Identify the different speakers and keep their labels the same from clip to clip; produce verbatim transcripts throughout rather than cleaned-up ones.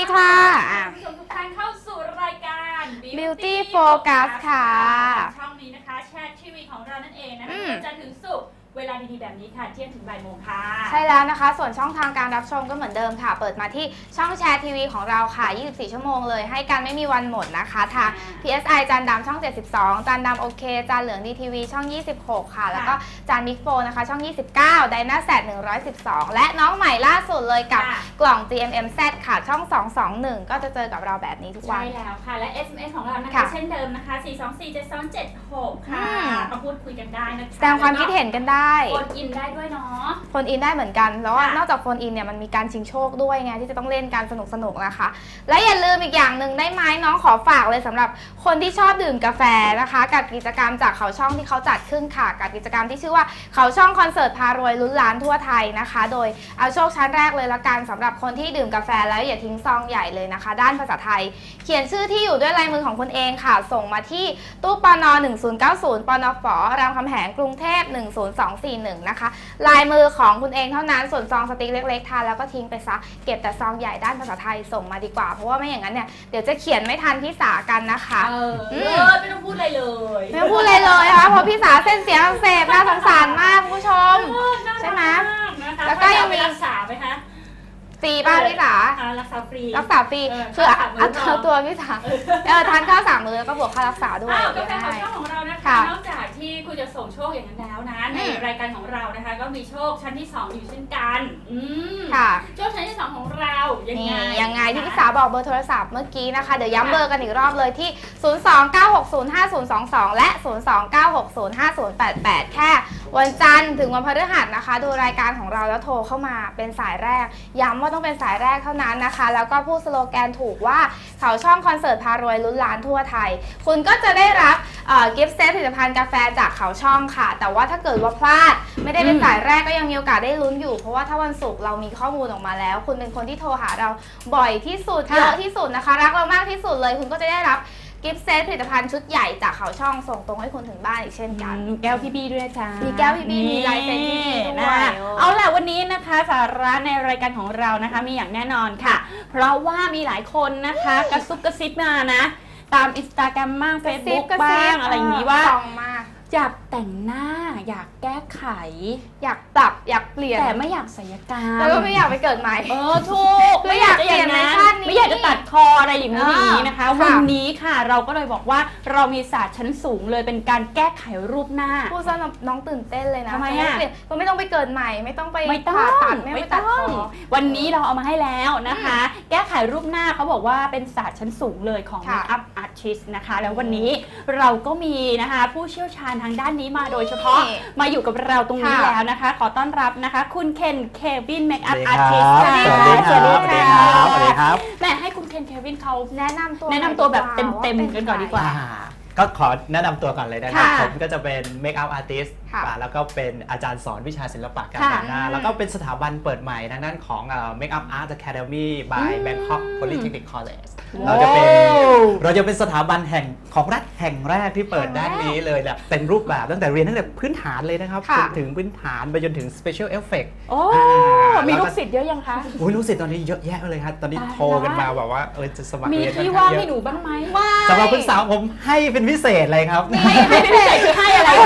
Speaker 1: ค่ะ
Speaker 2: ผู้ชมทุกท่านเข้าสู่รายการ
Speaker 1: Beauty Focus ค่ะ
Speaker 2: ช่องนี้นะคะแชททีวีของเรานั่นเองนะคะจันทร์ถึงศุกร์เวลาดีๆแบบนี้ค่ะเที่ยงถึงบ่ายโมงค่ะ
Speaker 1: ใช่แล้วนะคะส่วนช่องทางการรับชมก็เหมือนเดิมค่ะเปิดมาที่ช่องแชร์ทีวีของเราค่ะยี่สิบสี่ชั่วโมงเลยให้กันไม่มีวันหมดนะคะทาง พี เอส ไอ จานดำช่องเจ็ดสิบสองจานดำโอเคจานเหลืองดีทีวีช่องยี่สิบหกค่ะแล้วก็จานมิกโฟนะคะช่องยี่สิบเก้าไดนาแซดหนึ่งร้อยสิบสองและน้องใหม่ล่าสุดเลยกับกล่อง จี เอ็ม เอ็ม แซด ค่ะช่องสองสองหนึ่งก็จะเจอกับเราแบบนี้ทุกวัน
Speaker 2: ใช่แล้วค่ะและ เอส เอ็ม เอส ของเรานะคะเช่นเดิมนะคะสี่ สอง สี่ เจ็ด สอง เจ็ด หกค่ะมาพูดคุยกันได้นะคะ
Speaker 1: แสดงความคิดเห็นกันได้
Speaker 2: โฟนอินได้ด้วยเนาะ
Speaker 1: โฟนอินได้เหมือนกันแล้วนอกจากโฟนอินเนี่ยมันมีการชิงโชคด้วยไงที่จะต้องเล่นการสนุกสนุกนะคะและอย่าลืมอีกอย่างหนึ่งได้ไหมน้องขอฝากเลยสำหรับคนที่ชอบดื่มกาแฟนะคะกับกิจกรรมจากเขาช่องที่เขาจัดขึ้นค่ะกับกิจกรรมที่ชื่อว่าเขาช่องคอนเสิร์ตพารวยลุ้นล้านทั่วไทยนะคะโดยเอาโชคชั้นแรกเลยละกันสำหรับคนที่ดื่มกาแฟแล้วอย่าทิ้งซองใหญ่เลยนะคะด้านภาษาไทยเขียนชื่อที่อยู่ด้วยลายมือของคุณเองค่ะส่งมาที่ตู้ปนหนึ่งศูนย์เก้าศูนย์ปนฝรามคำแหงกรุงเทพหนึ่งศูนย์สองสี่หนึ่งนะคะลายมือของคุณเองเท่านั้นส่วนซองสติ๊กเล็กๆทานแล้วก็ทิ้งไปซะเก็บแต่ซองใหญ่ด้านภาษาไทยส่งมาดีกว่าเพราะว่าไม่อย่างนั้นเนี่ยเดี๋ยวจะเขียนไม่ทันพี่สากันนะคะ
Speaker 2: เออไม่ต้องพูดอะไรเลย
Speaker 1: ไม่ต้องพูดอะไรเลยค่ะเพราะพี่สาเส้นเสียงอักเสบน่าสงสารมากคุณผู้ชมใช่ไหม
Speaker 2: แล้วก็ยังมีรักษาไหมคะ
Speaker 1: ฟรีป่ะพี่สา
Speaker 2: รักษาฟรี
Speaker 1: รักษาฟรีคืออัดเอาตัวพี่สาเออทานข้าวสามมื้อแล้วก็บวกค่ารักษาด้วย
Speaker 2: กาแฟของช่องของเรานะคะนอกจากที่คุณจะส่งโชคอย่างนั้นแล้วนะในรายการของเรานะคะก็มีโชคชั้นที่สองอยู่เช่นกันอืม
Speaker 1: ค่ะ
Speaker 2: โชคชั้นที่สองของเรายังไง
Speaker 1: ยังไงที่พี่สาบอกเบอร์โทรศัพท์เมื่อกี้นะคะเดี๋ยวย้ำเบอร์กันอีกรอบเลยที่ศูนย์ สอง เก้า หก ศูนย์ ห้า ศูนย์ สอง สองและศูนย์ สอง เก้า หก ศูนย์ ห้า ศูนย์ แปด แปดแค่วันจันทร์ถึงวันพฤหัสนะคะดูรายการของเราแล้วโทรเข้ามาเป็นสายแรกย้ำว่าต้องเป็นสายแรกเท่านั้นนะคะแล้วก็พูดสโลแกนถูกว่าเขาช่องคอนเสิร์ตพารวยลุ้นล้านทั่วไทยคุณก็จะได้รับกิฟต์เซตผลิตภัณฑ์กาแฟจากเขาช่องค่ะแต่ว่าถ้าเกิดว่าพลาดไม่ได้เป็นสายแรกก็ยังมีโอกาสได้ลุ้นอยู่เพราะว่าถ้าวันศุกร์เรามีข้อมูลออกมาแล้วคุณเป็นคนที่โทรหาเราบ่อยที่สุดเยอะที่สุดนะคะรักเรามากที่สุดเลยคุณก็จะได้รับกิฟต์เซตผลิตภัณฑ์ชุดใหญ่จากเขาช่องส่งตรงให้คุณถึงบ้านอีกเช่นกัน
Speaker 2: แก้วพี่บี้ด้วยจ้า
Speaker 1: มีแก้วพี่บี้มีลายเซ็นพี่บี้ด้วย
Speaker 2: เอาล่ะวันนี้นะคะสาระในรายการของเรานะคะมีอย่างแน่นอนค่ะเพราะว่ามีหลายคนนะคะกระซุบกระซิบมานะตามอินสตาแกรมบ้างเฟซบุ๊กบ้างอะไรอย่างนี้ว่าอยากแต่งหน้าอยากแก้ไข
Speaker 1: อยากปรับอยากเปลี่ยน
Speaker 2: แต่ไม่อยากศัลยกรรม
Speaker 1: แล้วก็ไม่อยากไปเกิดใหม่
Speaker 2: เออถูก
Speaker 1: ไม่อยากเปลี่ยนในชาตินี้
Speaker 2: ไม่อยากจะตัดคออะไรอย่างนี้นะคะวันนี้ค่ะเราก็เลยบอกว่าเรามีศาสตร์ชั้นสูงเลยเป็นการแก้ไขรูปหน้า
Speaker 1: พูดซะน้องตื่นเต้นเลยนะ
Speaker 2: ทำไมอ่ะ
Speaker 1: ก็ไม่ต้องไปเกิดใหม่ไม่ต้องไป
Speaker 2: ผ่า
Speaker 1: ตัดไม่ต้อง
Speaker 2: วันนี้เราเอามาให้แล้วนะคะแก้ไขรูปหน้าเขาบอกว่าเป็นศาสตร์ชั้นสูงเลยของ Makeup Artist นะคะแล้ววันนี้เราก็มีนะคะผู้เชี่ยวชาญทางด้านนี้มาโดยเฉพาะมาอยู่กับเราตรงนี้แล้วนะคะขอต้อนรับนะคะคุณเคนเควินเมคอัพอาร์ติสต์
Speaker 3: ค่ะสวัสดีครับสวัสดีครับ
Speaker 2: แม่ให้คุณเคนเควินเขา
Speaker 1: แนะนำตัว
Speaker 2: แนะนำตัวแบบเต็มๆกันก่อนดีกว่า
Speaker 3: ก็ขอแนะนำตัวก่อนเลยนะครับผมก็จะเป็นเมคอัพอาร์ติสต์แล้วก็เป็นอาจารย์สอนวิชาศิลปะการแต่งหน้าแล้วก็เป็นสถาบันเปิดใหม่ทางด้านของ Makeup Art Academy by Bangkok Polytechnic College เราจะเป็นเราจะเป็นสถาบันแห่งของรัฐแห่งแรกที่เปิดด้านนี้เลยแบบเต็มรูปแบบตั้งแต่เรียนตั้งแต่พื้นฐานเลยนะครับจนถึงพื้นฐานไปจนถึง Special Effect
Speaker 2: โอ้มีลูกศิษย์เยอะยังคะ
Speaker 3: โอ้ยลูกศิษย์ตอนนี้เยอะแยะเลยครับตอนนี้โทรกันมาแบบว่าเออจะสมัคร
Speaker 2: เรียนมีที่ว่างให้หนูบ้างไหม
Speaker 3: สำหรับคุณสาวผมให้เป็นพิเศษเลยครับ
Speaker 2: ให้พิเศษคือให้อะไร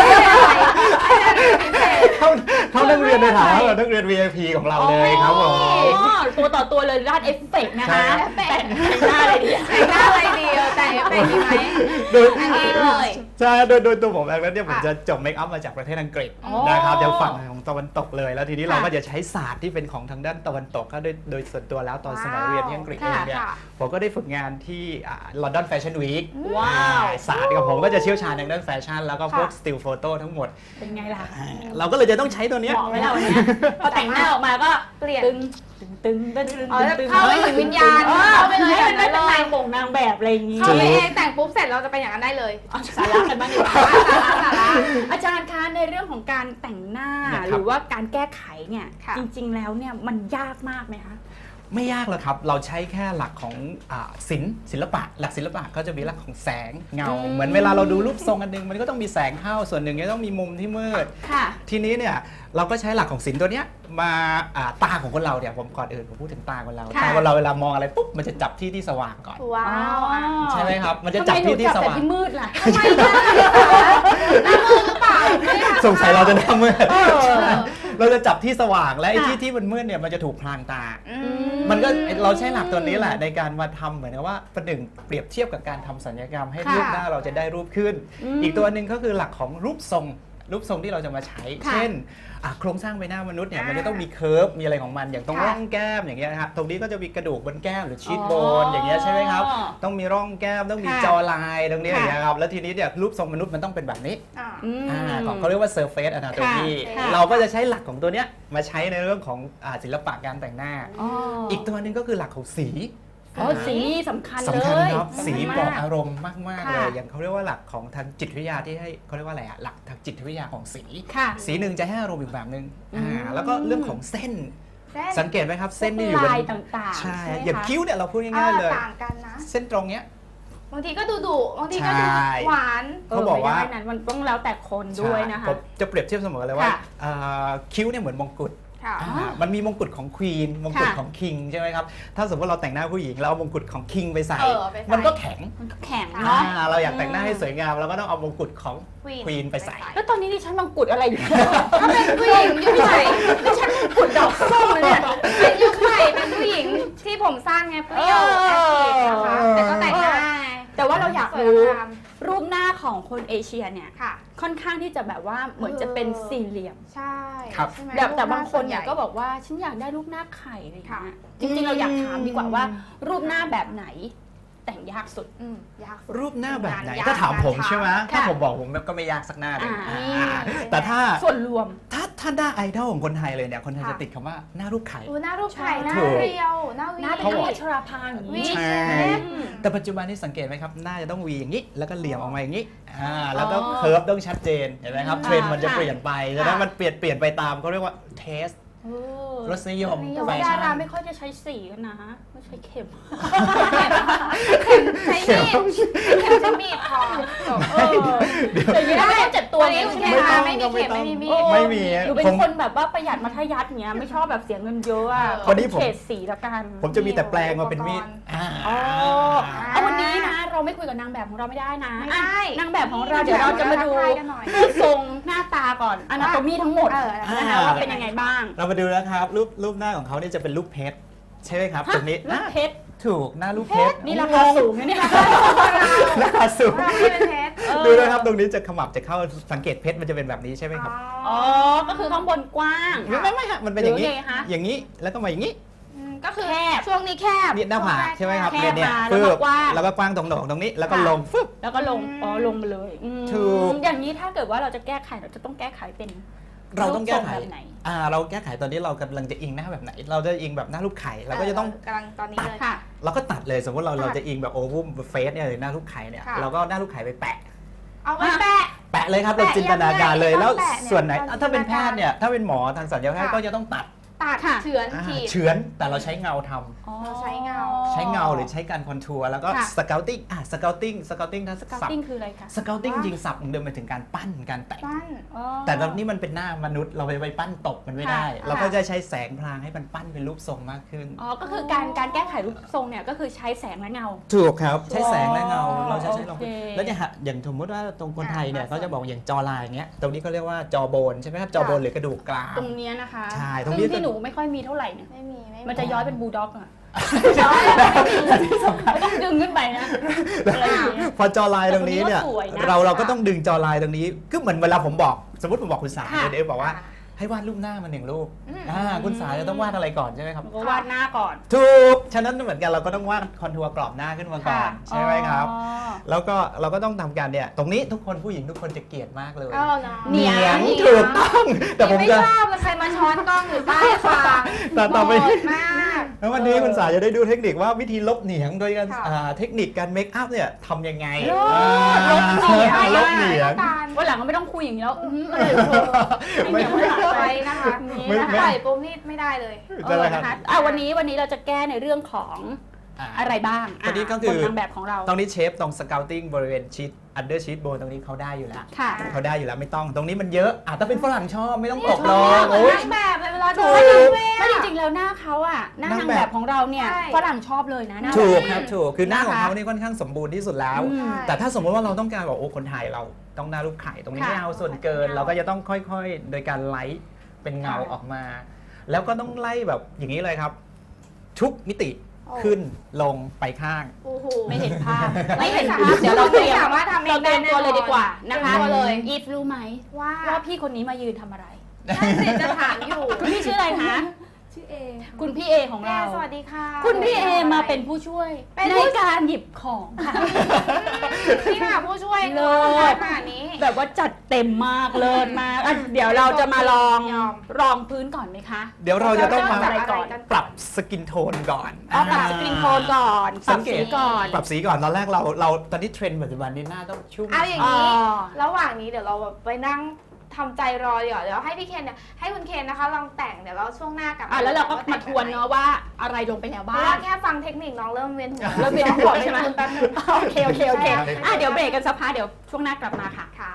Speaker 3: เท่าเท่านักเรียนในฐานะเรานักเรียน วี ไอ พี ของเราเลยครับผม
Speaker 2: ตัวต่อตัวเลยด้านเอฟเฟกต์นะคะแต่งหน้าอะไรดี
Speaker 1: แต่งหน้าอะไรดีแต่งเอฟเฟกต์ดีไหม
Speaker 3: โดยใช่โดยโดยตัวผมเองแล้วเนี่ยผมจะจบเมคอัพมาจากประเทศอังกฤษนะครับจากฝั่งของตะวันตกเลยแล้วทีนี้เราก็จะใช้ศาสตร์ที่เป็นของทางด้านตะวันตกก็โดยโดยส่วนตัวแล้วตอนสมัยเรียนที่อังกฤษเองเนี่ยผมก็ได้ฝึกงานที่ลอนดอนแฟชั่นวีค
Speaker 2: ว้าว
Speaker 3: ศาสตร์กับผมก็จะเชี่ยวชาญทางด้านแฟชั่นแล้วก็พวกสติลโฟโต้ทั้งหมด
Speaker 2: เป็นไงล่ะ
Speaker 3: เราก็เลยจะต้องใช้ตัวนี้
Speaker 2: บอกไว้แล้ววันนี้พอแต่งหน้าออกมาก็
Speaker 1: เปลี่ยน
Speaker 2: ตึงตึงตึงตึงตึง
Speaker 1: เข้าไปถึงวิญญาณเข้าไปเลย
Speaker 2: ให้มันเป็นนางบ่งนางแบบอะไรอย่างงี้
Speaker 1: เข้าไปเองแต่งปุ๊บเสร็จเราจะเป็นอย่างนั้นได้เลย
Speaker 2: สาระกันบ้างดีกว่าอาจารย์คะในเรื่องของการแต่งหน้าหรือว่าการแก้ไขเนี่ยจริงๆแล้วเนี่ยมันยากมากไหมคะ
Speaker 3: ไม่ยากหรอกครับ เราใช้แค่หลักของอ่าศิลป์ศิลปะ หลักศิลปะก็จะมีหลักของแสงเงา
Speaker 2: อืม
Speaker 3: เหมือนเวลาเราดูรูปทรงอันหนึงมันก็ต้องมีแสงเข้าส่วนหนึ่งก็ต้องมีมุมที่มืด
Speaker 2: ค่ะ
Speaker 3: ทีนี้เนี่ยเราก็ใช้หลักของศิลป์ตัวเนี้ยมาอ่าตาของคนเราเนี่ยผมก่อนอื่นผมพูดถึงตาคนเรา
Speaker 2: ค่ะ
Speaker 3: ตาคนเราเวลามองอะไรปุ๊บมันจะจับที่ที่สว่างก่อน
Speaker 1: ว้าวอ่ะ
Speaker 3: ใช่ไหมครับมันจะจับที่ที่สว่าง
Speaker 2: ทำไมหนูจับแต่ที่มืดล่ะ
Speaker 1: ทำไมได้คะหน้ามือหรือเปล่าไม่ได้
Speaker 3: สงสัยเราจะหน้ามืด
Speaker 2: เออ
Speaker 3: เราจะจับที่สว่างและไอ้
Speaker 2: ค่ะ
Speaker 3: ที่ที่มันมืดเนี่ยมันจะถูกพรางตา
Speaker 1: อื
Speaker 3: มันก็เราใช้หลักตัวนี้แหละในการมาทำเหมือนกับว่าประหนึ่งเปรียบเทียบกับการทำสัญญกรรมให้
Speaker 1: ค่ะ
Speaker 3: รูปหน้าเราจะได้รูปขึ้น
Speaker 2: อืม
Speaker 3: อีกตัวหนึ่งก็คือหลักของรูปทรงรูปทรงที่เราจะมาใช้
Speaker 2: ค่ะ
Speaker 3: เช่นอ่ะโครงสร้างใบหน้ามนุษย์เนี่ย
Speaker 1: อ่ามั
Speaker 3: มันจะต้องมีเคิร์ฟมีอะไรของมันอย่างตรง
Speaker 1: ค่ะ
Speaker 3: ร่องแก้มอย่างเงี้ยนะครับตรงนี้ก็จะมีกระดูกบนแก้มหรือชีท
Speaker 2: อ๋อ
Speaker 3: โบนอย่างเงี้ยใช่ไหมครับต้องมีร่องแก้มต้องมี
Speaker 1: ค่ะ
Speaker 3: จอลายตรงนี้
Speaker 1: ค่ะ
Speaker 3: อย่างเงี้ยครับแล้วทีนี้เนี่ยรูปทรงมนุษย์มันต้องเป็นแบบนี้
Speaker 1: อ่า
Speaker 2: อืม
Speaker 3: อ่าของเขาเรียกว่า surface anatomy
Speaker 1: ค่ะ
Speaker 3: เราก็จะใช้หลักของตัวเนี้ยมาใช้ในเรื่องของอ่าศิลปะการแต่งหน้า
Speaker 2: อ๋อ
Speaker 3: อีกตัวหนึ่งก็คือหลักของสี
Speaker 2: อ๋อสีนี่สำคัญเลย
Speaker 3: สำคัญครับสี
Speaker 2: มาก
Speaker 3: บอกอารมณ์มาก ๆ เลย
Speaker 2: ค่ะ
Speaker 3: อย่างเขาเรียกว่าหลักของทางจิตวิทยาที่ให้เขาเรียกว่าอะไรอะหลักทางจิตวิทยาของสี
Speaker 2: ค่ะ
Speaker 3: สีหนึ่งจะให้อารมณ์อีกแบบหนึ่ง
Speaker 2: อืม
Speaker 3: อ่าแล้วก็เรื่องของเส้น
Speaker 1: เส้น
Speaker 3: สังเกตไหมครับ เส้นที่อยู่บน
Speaker 2: ลายต่างๆ
Speaker 3: ใช่
Speaker 2: ใช่ไหม
Speaker 3: อย่าง
Speaker 2: คะ
Speaker 3: คิ้วเนี่ยเราพูด
Speaker 1: เอ
Speaker 3: ง่าย
Speaker 1: อ
Speaker 3: ๆเลย
Speaker 1: ต่างกันนะ
Speaker 3: เส้นตรงเนี้ย
Speaker 1: บางทีก็ดุดุบางทีก็ดู
Speaker 3: ใช่
Speaker 1: หวาน
Speaker 3: เขาบอกว่า
Speaker 2: ไม่ได้นั้นมันต้องแล้วแต่คนด้วยนะคะ
Speaker 3: ใช่ผมจะเปรียบเทียบเสมอเลยว่า
Speaker 2: ค่ะ
Speaker 3: อ่าคิ้วเนี่ยเหมือนมงกุฎ
Speaker 1: ค่ะ
Speaker 3: อ่ามันมีมงกุฎของควีนมงกุฎ
Speaker 2: ค่ะ
Speaker 3: ของคิงใช่ไหมครับถ้าสมมติเราแต่งหน้าผู้หญิงแล้วเอามงกุฎของคิงไปใส่
Speaker 1: เออไปใส่
Speaker 3: มันก็แข็ง
Speaker 2: มันก็แข็ง
Speaker 3: อ่า
Speaker 2: เนาะ
Speaker 3: เราอยากแต่งหน้าให้สวยงามเราก็ต้องเอามงกุฎของ
Speaker 1: Queen
Speaker 3: ควีนไปใส่
Speaker 2: แล้วตอนนี้ดิฉันมังกุฎอะไรอยู่
Speaker 1: ถ้าเป็นผู้หญิงยุคใหม่
Speaker 2: ดิฉันมังกุฎดอกส้มเลยเนี่ย
Speaker 1: เป็นยุคใหม่เป็นผู้หญิงที่ผมสั้นไงเปรี้ยว
Speaker 2: เอ
Speaker 1: แอ
Speaker 2: อ
Speaker 1: คทีฟนะคะแต่ก็แต่งหน้าไง
Speaker 2: แต่ว่าเราอยาก
Speaker 1: สวย
Speaker 2: รู้
Speaker 1: งาม
Speaker 2: รูปหน้าของคนเอเชียเนี่ย
Speaker 1: ค่ะ
Speaker 2: ค่อนข้างที่จะแบบว่าเหมือนจะเป็นสี่เหลี่ยม
Speaker 1: ใช่
Speaker 3: ครับ
Speaker 1: ใช่ไหม
Speaker 2: แบบแต่
Speaker 1: รูปห
Speaker 2: บางคนเนี่ย
Speaker 1: ส่วใหญ่
Speaker 2: ก็บอกว่าฉันอยากได้รูปหน้าไข่อะไรอย่าง
Speaker 1: ค่ะ
Speaker 2: เงี้ยจริงๆเราอยากถามดีกว่าว่า รูปหน้าแบบไหน แต่งยากสุด
Speaker 1: อืมยากสุด
Speaker 3: รูปหน้าแบบไหน
Speaker 1: งานยาก
Speaker 3: ถ้าถามผม
Speaker 1: งานช้า
Speaker 3: ใช่ไหม
Speaker 2: ค่ะ
Speaker 3: ถ้าผมบอกผมก็ไม่ยากสักหน้าเลย
Speaker 2: อ่า
Speaker 3: อ่าแต่ถ้า
Speaker 2: ส่วนรวม
Speaker 3: ถ้าถ้าหน้าไอดอลของคนไทยเลยเนี่ยคนไทย
Speaker 1: ค่ะ
Speaker 3: จะติดคำว่าหน้ารูปไข่
Speaker 1: ดูหน้ารูปไข่หน้า
Speaker 3: ถูก
Speaker 1: เรียวหน้าวี
Speaker 2: หน้าเป็น
Speaker 3: เขาบอก
Speaker 2: อัชราภาอย่าง
Speaker 1: วี
Speaker 2: นี้
Speaker 3: ใช่
Speaker 1: เล็บ
Speaker 3: แต่ปัจจุบันนี้สังเกตไหมครับหน้าจะต้องวีอย่างนี้ แล้วก็เหลี่ยมออกมาอย่างนี้อ่าแล้วก็
Speaker 2: อ๋อ
Speaker 3: เคิร์ฟต้องชัดเจนเห็นไหมครับ
Speaker 2: อืม
Speaker 3: เทรนด์มันจะ
Speaker 2: ค่ะ
Speaker 3: เปลี่ยนไปฉะนั้นมันเปลี่ยนเปลี่ยนไปตามเขาเรียกว่าเทส
Speaker 2: เออ
Speaker 3: รสนิยม
Speaker 2: แต่
Speaker 3: แฟ
Speaker 2: ว่าดา
Speaker 3: ชั่
Speaker 2: ราน ไม่ค่อยจะใช้สีกันนะไม่ใช้เข็ม
Speaker 1: ใช้มีดใช้มีดพอจบ
Speaker 2: เออแต่อยังไม่ต้องเจ็บตัว
Speaker 1: วันนี้
Speaker 2: ใช่
Speaker 1: คุณ
Speaker 2: ไหม
Speaker 1: แม่
Speaker 2: คะ
Speaker 1: ไม่มีเข็มไม่มีมีด
Speaker 3: ไม่มี
Speaker 2: หนูเป็น
Speaker 3: ผม
Speaker 2: คนแบบว่าประหยัดมัธยัสถ์เนี้ยไม่ชอบแบบเสียเงินเยอะอะ
Speaker 1: เออ
Speaker 3: วันนี้ผม
Speaker 2: เฉดสีแล้วกัน
Speaker 3: ผมจะมีแต่แปลงมาเป็นมีดอ่า
Speaker 2: อ๋อเอาวันนี้นะเราไม่คุยกับนางแบบของเราไม่ได้นะ
Speaker 1: ไม่ได้
Speaker 2: อ่ะนางแบบของเราเดี๋ยวเราจะมาดู
Speaker 1: ทักทายกันหน่อย
Speaker 2: รูปทรงหน้าตาก่อนอนาโตมีทั้งหมด
Speaker 1: เออ
Speaker 2: นะคะว่าเป็นยังไงบ้าง
Speaker 3: เรามาดูนะครับรูปรูปหน้าของเขาเนี่ยจะเป็นรูปเพชรใช่ไหมครับตรงนี้
Speaker 2: รูปเพชร
Speaker 3: ถูกหน้ารูปเพชร
Speaker 2: นี่ราคาสูงนะเนี่ย
Speaker 3: ราคาสูง
Speaker 1: เราไม่เป็นเพชร
Speaker 3: ดูนะครับตรงนี้จะขมับจะเข้าสังเกตเพชรมันจะเป็นแบบนี้ใช่ไหมครับ
Speaker 2: อ๋อ ก็คือข้างบนกว้าง
Speaker 3: ไม่ไม่ไม่ฮะมันเป็นอย่างนี้
Speaker 2: หรือไงคะ
Speaker 3: อย่างนี้แล้วก็มาอย่างนี้
Speaker 1: มก็คือ
Speaker 2: แคบ
Speaker 1: ช่วงนี้แคบ
Speaker 3: นี่หน้าผากใช่ไหมครับ
Speaker 2: แคบ
Speaker 3: เนี่ยเนี่ย
Speaker 2: มาแล้วก็
Speaker 3: ฟึบ
Speaker 2: กว้าง
Speaker 3: แล้วก็กว้างตรงโหนกตรงนี้แล้วก็ลงฟึบ
Speaker 2: แล้วก็ลง อ๋อ ลงมาเลยอืม
Speaker 3: ถูก
Speaker 2: อย่างนี้ถ้าเกิดว่าเราจะแก้ไขเราจะต้องแก้ไขเป็น
Speaker 3: เราต้องแก้ไข
Speaker 2: รูปทรงแบบไหน
Speaker 3: อ่าเราแก้ไขตอนนี้เรากำลังจะอิงหน้าแบบไหน เราจะอิงแบบหน้ารูปไข่เราก็จะต้อง
Speaker 1: กำลังตอนนี้เลย
Speaker 2: ค่ะ
Speaker 3: เราก็ตัดเลยสมมติเรา
Speaker 1: ค่ะ
Speaker 3: เราจะอิงแบบโอวุมเฟสเนี่ยหรือหน้ารูปไข่เนี่ย
Speaker 1: ค่ะ
Speaker 3: เราก็เอาหน้ารูปไข่ไปแปะ
Speaker 1: เอาไว้แปะ
Speaker 3: แปะเลยครับ
Speaker 1: แปะ
Speaker 3: เราจินตนาการเลย
Speaker 1: ยังไง
Speaker 3: แล้ว
Speaker 1: ต้องแปะเนี่ย
Speaker 3: ส่วนไหน
Speaker 1: ตอน
Speaker 3: ถ้าเป็น
Speaker 1: จินตนาการ
Speaker 3: แพทย์เนี่ยถ้าเป็นหมอทางศัลยแพทย์
Speaker 1: ค่ะ
Speaker 3: ก็จะต้องตัด
Speaker 1: ตัด
Speaker 2: ค่ะ
Speaker 1: เฉือน
Speaker 3: อ่า
Speaker 1: ขีด
Speaker 3: เฉือนแต่เราใช้เงาทำ
Speaker 2: อ๋อ
Speaker 1: เราใช้เงา
Speaker 3: ใช้เงาหรือใช้การคอนทัวร์แล้วก็
Speaker 2: ค่ะ
Speaker 3: สเกลติ้งอ่ะสเกลติ้งสเกลติ้งถ้า
Speaker 2: สเกา
Speaker 3: สับ
Speaker 2: ติ้งคืออะไรคะ
Speaker 3: สเกลติ้งจริงสับเดิมไปถึงการปั้นการแต่ง
Speaker 1: ปั้น
Speaker 2: อ๋อ
Speaker 3: แต่ตอนนี้มันเป็นหน้ามนุษย์เราไปไปปั้นตกมันไม่ได้
Speaker 1: ค่ะ
Speaker 3: เราก็จะใช้แสงพลางให้มันปั้นเป็นรูปทรงมากขึ้น
Speaker 2: อ๋อ ก็คือการการแก้ไขรูปทรงเนี่ยก็คือใช้แสงและเงา
Speaker 3: ถูกครับ ใช้แสงและเงา
Speaker 2: อ๋อ
Speaker 3: เราใช้ใช้ลอง
Speaker 2: โอเค
Speaker 3: แล้วเนี่ยฮะอย่างสมมติว่าตรงคนไทยเนี่ย
Speaker 1: อ่า
Speaker 3: เขาจะบอกอย่างจอลายอย่างเงี้ยตรงนี้เขาเรียกว่าจอโบนใช่ไหมครับจอโบนหรือกระดูกกราม
Speaker 2: ตรงเนี้ยนะคะ
Speaker 3: ใช่ตรงนี้
Speaker 2: ซึ่ที่หนูไม่ค่อยมีเท่าไหร่เนี่ย
Speaker 1: ไม่มีไม่
Speaker 2: มันจะย้อยเป็นบูลด็อกอะ
Speaker 3: ที่สำคัญ
Speaker 2: ไม่ต้องดึงขึ้นไปนะอะไรอย่างเงี้ย
Speaker 3: พอจอลายตรงนี้เนี่ย
Speaker 2: แต่ตรงนี้ก็สวยนะ
Speaker 3: เราเราก็ต้องดึงจอลายตรงนี้ก็เหมือนเวลาผมบอกสมมติผมบอกคุณสา
Speaker 2: ค่ะ
Speaker 3: เดี๋ยวบอกว่าให้วาดรูปหน้ามาหนึ่งรูป
Speaker 1: อืม
Speaker 3: อ่าคุณสาจะต้องวาดอะไรก่อนใช่ไหมครับ
Speaker 2: มันก็วาดหน้าก่อน
Speaker 3: ถูกฉะนั้นเหมือนกันเราก็ต้องวาดคอนทัวร์กรอบหน้าขึ้นมาก่อนใช่ไหมครับ
Speaker 2: อ๋อ
Speaker 3: แล้วก็เราก็ต้องทำการเนี่ยตรงนี้ทุกคนผู้หญิงทุกคนจะเกลียดมากเลย
Speaker 1: เอานะ
Speaker 2: เหนียง
Speaker 3: ถูกต้องแต่ผม
Speaker 1: ไม่
Speaker 3: จะ
Speaker 1: ชอบเลยใครมาช้อนกล้องอยู่ใต้คาง
Speaker 3: แต่ต่อไป
Speaker 1: โหดมาก
Speaker 3: แล้ววันนี้คุณสายจะได้ดูเทคนิคว่าวิธีลบเหนียงโดยการ
Speaker 1: ค่ะ
Speaker 3: อ่าเทคนิคการเมคอัพเนี่ยทำยังไง
Speaker 2: ลบ
Speaker 3: อ่า
Speaker 2: ลบเหนียง
Speaker 3: ลบเหนียง
Speaker 2: วันหลังก็ไม่ต้องคุยอย่างนี้แล้วอื้ออะไรโชว์ให้เหนียว
Speaker 1: ไม่
Speaker 2: หาย
Speaker 1: ไว้
Speaker 2: ไป
Speaker 1: นะคะ
Speaker 2: นี่
Speaker 3: ไม่
Speaker 2: นะ
Speaker 3: ไม่
Speaker 2: คะ
Speaker 1: ปล่อยปุ๊บนี่ไม่ได้เลย
Speaker 2: เออนะคะอ่ะวันนี้วันนี้เราจะแก้ในเรื่องของ
Speaker 3: อ่า
Speaker 2: อะไรบ้าง
Speaker 3: ตัวนี้ก็คือ
Speaker 2: นนางแบบของเรา
Speaker 3: ตรงนี้เชฟตรงสเกลติ้งบริเวณชีทอันเดอร์ชีทโบนตรงนี้เขาได้อยู่แล้ว
Speaker 2: ค่ะ
Speaker 3: เขาได้อยู่แล้วไม่ต้องตรงนี้มันเยอะอ่ะถ้าเป็นฝรั่งชอบไม่ต้องตก
Speaker 1: ช
Speaker 3: ล
Speaker 1: อบ
Speaker 3: ง
Speaker 1: เหมือน
Speaker 3: โอ้ย
Speaker 1: นางแบบเลยเวลา
Speaker 3: ถู
Speaker 1: เดิ
Speaker 3: ก
Speaker 1: นเลย
Speaker 2: ถ้า
Speaker 1: อะ
Speaker 2: จริงๆแล้วหน้าเขาอะหน้านาง
Speaker 3: างแบบ
Speaker 2: แบบของเราเนี่ย
Speaker 1: ใช่
Speaker 2: ฝรั่งชอบเลยนะหน้า
Speaker 3: ถูก
Speaker 2: แบบ
Speaker 3: ครับถูกคือหน้าของ
Speaker 2: นะคะ
Speaker 3: เขานี่ค่อนข้างสมบูรณ์ที่สุดแล้ว
Speaker 2: อืม
Speaker 3: แต่ถ้าสมมติว่าเราต้องการบอกโอ้คนไทยเราต้องหน้ารูปไข่ตรงนี้
Speaker 2: ค่ะ
Speaker 3: ไม่เอาส่วนเกิน เราก็จะต้องค่อยๆ โดยการไลท์เป็นเงาออกมา แล้วก็ต้องไล่แบบอย่างนี้เลยครับ ทุกมิติ
Speaker 1: โอ้
Speaker 3: ขึ้นลงไปข้าง
Speaker 1: โอ้โห
Speaker 2: ไม่เห็นภาพ
Speaker 1: ไม่
Speaker 2: ไม่
Speaker 1: เห็
Speaker 2: เห็
Speaker 1: น
Speaker 2: น
Speaker 1: ภา
Speaker 2: ภา
Speaker 1: พ
Speaker 2: พเดี๋ยวเราเตรียม
Speaker 1: ไม่สามารถทำเอง
Speaker 2: เราเตรียม
Speaker 1: ได้
Speaker 2: ตัว
Speaker 1: แน่นอน
Speaker 2: เลยดีกว่านะคะ
Speaker 1: เตรียมตัวเลย
Speaker 2: อีฟรู้ไหม
Speaker 1: ว่า
Speaker 2: ว่าพี่คนนี้มายืนทำอะไร
Speaker 1: นั่นสิจะถามอยู่
Speaker 2: คุณพี่ชื่ออะไรคะ
Speaker 4: ชื่อเอค่ะ
Speaker 2: คุณพี่เอของ
Speaker 1: แม่
Speaker 2: เรา
Speaker 1: สวัสดีค่ะ
Speaker 2: คุณพี่เอมาเป็นผู้ช่วย
Speaker 1: เป็น
Speaker 2: ใน
Speaker 1: ผู้
Speaker 2: การหยิบของค่ะ
Speaker 1: นี่ค่ะผู้ช่วย
Speaker 2: เลิศ
Speaker 1: ขนาดนี้
Speaker 2: แบบว่าจัดเต็มมากเลิศมากอ่ะเดี๋ยวเราจะมาลอง
Speaker 1: ยอม
Speaker 2: รองพื้นก่อนไหมคะ
Speaker 3: เดี๋ยวเราจะต้องมา
Speaker 1: เริ่มจากอะไรก่อน
Speaker 3: ปรับสกินโทนก่อน
Speaker 2: เอาปรับสกรีนโทนก่อนป
Speaker 3: สั
Speaker 2: รับ
Speaker 3: งเก
Speaker 2: สี
Speaker 3: ต
Speaker 2: ก่อน
Speaker 3: ปรับสีก่อนตอนแรกเราเราตอนนี้เทรนด์ปัจจุบันนี้หน้าต้องชุ่ม
Speaker 1: เอาอย่าง
Speaker 2: อ๋อ
Speaker 1: นี้ ระหว่างนี้เดี๋ยวเราแบบไปนั่งทำใจรอเดี๋ยวเดี๋ยวให้พี่เคนเนี่ยให้คุณเคนนะคะลองแต่งเดี๋ยวเราช่วงหน้ากลับ
Speaker 2: อ่ะแล้วเราก็มาทวนเนาะว่าอะไรลงไปแล้ว
Speaker 1: เพ
Speaker 2: บ้า
Speaker 1: ราะว่าง แค่ฟังเทคนิคน้องเริ่มเวียนหัว
Speaker 2: เริ่มเวียนหัวใช่ไหม
Speaker 1: คุณแป๊บนึง
Speaker 2: โอเคโอเคโอเค
Speaker 1: ใช่
Speaker 2: อ่ะเดี๋ยวเบรกกันสักพักเดี๋ยวช่วงหน้ากลับมาค่ะ
Speaker 1: ค่ะ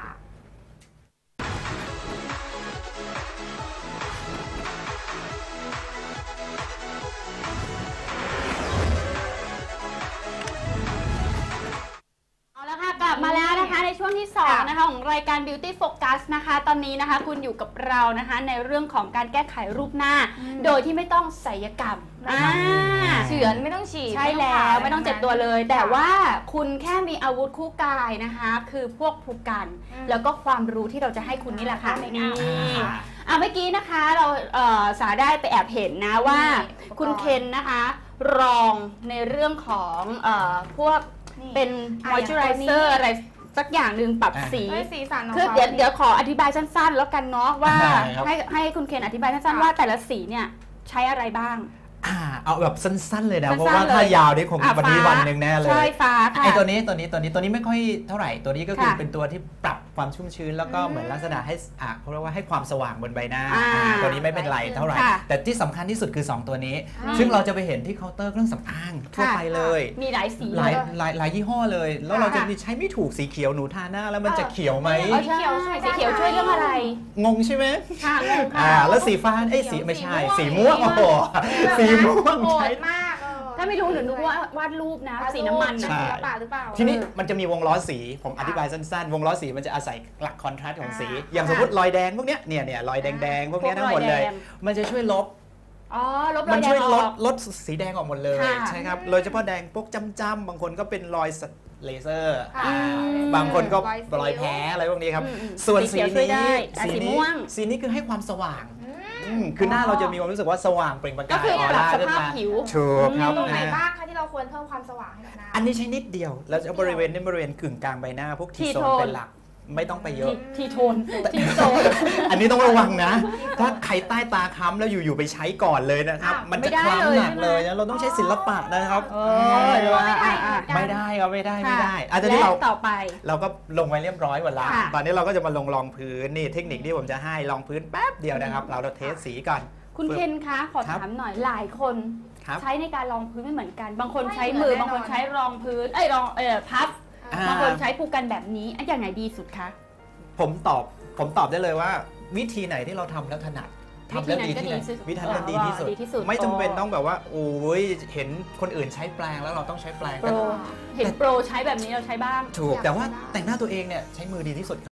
Speaker 2: เอาละค่ะกลับมาแล้วนะคะในช่วงที่สองนะคะของรายการ Beauty Focus นะคะ ตอนนี้นะคะคุณอยู่กับเรานะคะในเรื่องของการแก้ไขรูปหน้า
Speaker 1: อืม
Speaker 2: โดยที่ไม่ต้องศัลยกรรม
Speaker 1: ไม่
Speaker 2: อ่า
Speaker 1: ต้อง เฉือนไม่ต้องฉีด
Speaker 2: ใช่
Speaker 1: ไม่ต้อง
Speaker 2: แล้
Speaker 1: ผ่าว
Speaker 2: ไม่ต้องเจ็บตัวเลย แต่ว่าคุณแค่มีอาวุธคู่กายนะคะ คือพวกภูกัน
Speaker 1: อืม
Speaker 2: แล้วก็ความรู้ที่เราจะให้คุณนี่แหละค่ะ
Speaker 1: ไม่
Speaker 2: นี่
Speaker 1: เอา
Speaker 2: อ่ะเมื่อกี้นะคะเราเอ่อสาได้ไปแอบเห็นนะว่า
Speaker 1: นี่
Speaker 2: คุณเคนนะคะรองในเรื่องของเอ่อพวก
Speaker 1: นี่
Speaker 2: เป็น
Speaker 1: อ่ะอย่างตัวนี้
Speaker 2: moisturizer อะไรสักอย่างหนึ่งปรับ
Speaker 3: อ่ะ
Speaker 2: สี
Speaker 1: เอ้ยสีสันของ
Speaker 2: คือ
Speaker 1: ขา
Speaker 2: เดี๋ยวเดี๋ยวขออธิบายสั้นๆ แล้วกันเนาะว่า
Speaker 3: ได้ครับ
Speaker 2: ให้ให้คุณเคนอธิบายสั้นๆ
Speaker 1: ค่ะ
Speaker 2: ว่าแต่ละสีเนี่ยใช้อะไรบ้าง
Speaker 3: อ่าเอาแบบสั้นๆเลยนะ
Speaker 2: สั้นๆ
Speaker 3: เพราะว่า
Speaker 2: เลย
Speaker 3: ถ้ายาวนี่คง
Speaker 2: อ่ะ
Speaker 3: วันนี้
Speaker 2: ฟ้า
Speaker 3: วันหนึ่งแน่เลย
Speaker 2: ใช่ฟ้าค่ะ
Speaker 3: ไอตัวนี้ตัวนี้ตัวนี้ตัวนี้ไม่ค่อยเท่าไหร่ตัวนี้ก็คือ
Speaker 2: ค่ะ
Speaker 3: เป็นตัวที่ปรับความชุ่มชื้น แล้วก็
Speaker 1: อืม
Speaker 3: เหมือนลักษณะให้อ่ะเขาเรียกว่าให้ความสว่างบนใบหน้า
Speaker 2: อ่า
Speaker 3: อ่าตัวนี้ไม่เป็นไรเท่าไหร่
Speaker 2: ค่ะ
Speaker 3: แต่ที่สำคัญที่สุดคือ สอง ตัวนี้
Speaker 1: อ่า
Speaker 3: ซึ่งเราจะไปเห็นที่เคาน์เตอร์เครื่องสำอางทั่ว
Speaker 2: ค่ะ
Speaker 3: ไปเลย
Speaker 2: มีหลายสี
Speaker 3: หลาย
Speaker 2: เลย
Speaker 3: หลายหลายยี่ห้อเลย แล้ว
Speaker 1: ค่ะ
Speaker 3: เราจะมีใช้ไม่ถูกสีเขียวหนูทาหน้าแล้วมันจะเขียวไหม
Speaker 1: เออ
Speaker 2: ใช่
Speaker 1: สีเขียวช่วย
Speaker 2: สีเขียวช่วยเรื่องอะไร
Speaker 3: งงใช่ไหม
Speaker 2: ค่ะงงค่ะ
Speaker 3: อ่าแล้วสีฟ้าเอ้ยสีไม่ใช่ สีม่วงโอ้โหสีม่วง
Speaker 1: โห
Speaker 3: ใช้
Speaker 1: ดมากเออ
Speaker 2: ถ้าไม่รู้หนูนึกว่าวาดรูปนะ สีน้ำมัน
Speaker 1: ใช่
Speaker 2: นะ
Speaker 3: ใช่
Speaker 1: ศิลปะหรือเปล่า
Speaker 3: ทีนี้มันจะมีวงล้อสี ผมอธิบายสั้นๆ วงล้อสีมันจะอาศัยหลักคอนทราสต์ของสี
Speaker 1: อ่า
Speaker 3: อย่างสมมติรอยแดงพวกเนี้ยเนี่ยเนี่ยรอยแดงๆ พวกเนี้ยทั้งหมดเลย
Speaker 2: พวกรอยแดง
Speaker 3: มันจะช่วยลบ
Speaker 2: อ๋อลบร
Speaker 3: มั
Speaker 2: อยแด
Speaker 3: ช่วย
Speaker 2: งอ
Speaker 3: ล
Speaker 2: อ
Speaker 3: ด
Speaker 2: ก
Speaker 3: ลดสีแดงออกหมดเลย
Speaker 2: ค่ะ
Speaker 3: ใช่ครับโดยเฉพาะแดงพวกจ้ำๆบางคนก็เป็นรอยสเลเซอร์
Speaker 1: ค่ะ
Speaker 3: อ่า
Speaker 2: อืม
Speaker 3: บางคนก็
Speaker 1: รอยสิว
Speaker 3: รอยแพ้อะไรพวกนี้ครับ
Speaker 2: อืมอืม
Speaker 3: ส่วน
Speaker 2: สี
Speaker 3: สี
Speaker 2: เขียวช่วยได้
Speaker 3: นี้
Speaker 2: อ่ะสี
Speaker 3: นี้
Speaker 2: ม่วง
Speaker 3: สีนี้คือให้ความสว่าง
Speaker 1: อืม
Speaker 3: อืมคือหน้าเราจะมีความรู้สึกว่าสว่างเปล่งประ
Speaker 2: ก็
Speaker 3: กาย
Speaker 2: คือ
Speaker 3: ออ
Speaker 2: ปรับ
Speaker 3: ร่า
Speaker 2: ส
Speaker 3: ขึ้น
Speaker 2: ภาพ
Speaker 3: มา
Speaker 2: ผิว
Speaker 3: ถูกครับ
Speaker 1: ตรงไหน
Speaker 3: อ่า
Speaker 1: บ้างคะที่เราควรเพิ่มความสว่างให้กับหน้า
Speaker 3: อันนี้ใช้นิดเดียว แล้วจะบริเวณนี้บริเวณกึ่งกลางใบหน้า พวกที
Speaker 2: ที
Speaker 3: โซ
Speaker 2: โท
Speaker 3: น
Speaker 2: น
Speaker 3: เป็นหลัก ไม่ต้องไปเยอะ
Speaker 2: ทีโทนทีโซน
Speaker 3: อันนี้ต้องระวังนะ ถ้าใครใต้ตาค้ำแล้วอยู่ๆไปใช้ก่อนเลยนะครับ
Speaker 1: อ้าว
Speaker 3: มันจะ
Speaker 2: ไม่ได้
Speaker 3: คล้ำหนัก
Speaker 2: เลย
Speaker 3: เลยนะ เราต้องใช้ศิลปะนะครับ
Speaker 2: เออเดี๋ยวว่าอ่ะอ่ะ
Speaker 3: ไม่ได้ครับไม่ได้ไม่ได้
Speaker 2: ค่ะ
Speaker 3: อันนี้เรา
Speaker 2: และต่อไป
Speaker 3: เราก็ลงไปเรียบร้อยหมดแล้ว
Speaker 2: ค่ะ
Speaker 3: ตอนนี้เราก็จะมาลงรองพื้นนี่เทคนิคที่ผมจะให้รองพื้นแป๊บเดียวนะครับ เราเราเทสสีก่อน
Speaker 2: คุณเคนคะขอ
Speaker 3: ครับ
Speaker 2: ถามหน่อยหลายคน
Speaker 3: ครับ
Speaker 2: ใช้ในการรองพื้นไม่เหมือนกัน บางคน
Speaker 1: ไม่
Speaker 2: ใช้
Speaker 1: เหมื
Speaker 2: มื
Speaker 1: อน
Speaker 2: อ
Speaker 1: แน่นอน
Speaker 2: บางคนใช้รองพื้นเอ้ยรองเออพับ
Speaker 3: อ่า
Speaker 2: บางคนใช้ภูกันแบบนี้อันอย่างไหนดีสุดคะ
Speaker 3: ผมตอบผมตอบได้เลยว่า วิธีไหนที่เราทำแล้วถนัดทำแล้วดีที่ไหนวิธีนั้นดีที่สุด
Speaker 2: ดีที่สุด
Speaker 3: ไม่จำเป็น
Speaker 2: โอ้
Speaker 3: ต้องแบบว่าโอ้ยเห็นคนอื่นใช้แปลงแล้วเราต้องใช้แปลง
Speaker 2: โปรเห็นโปรใช้แบบนี้เราใช้บ้าง
Speaker 3: ถูกแต่ว่า
Speaker 1: อยากได้
Speaker 3: แต่งหน้าตัวเองเนี่ยใช้มือดีที่สุด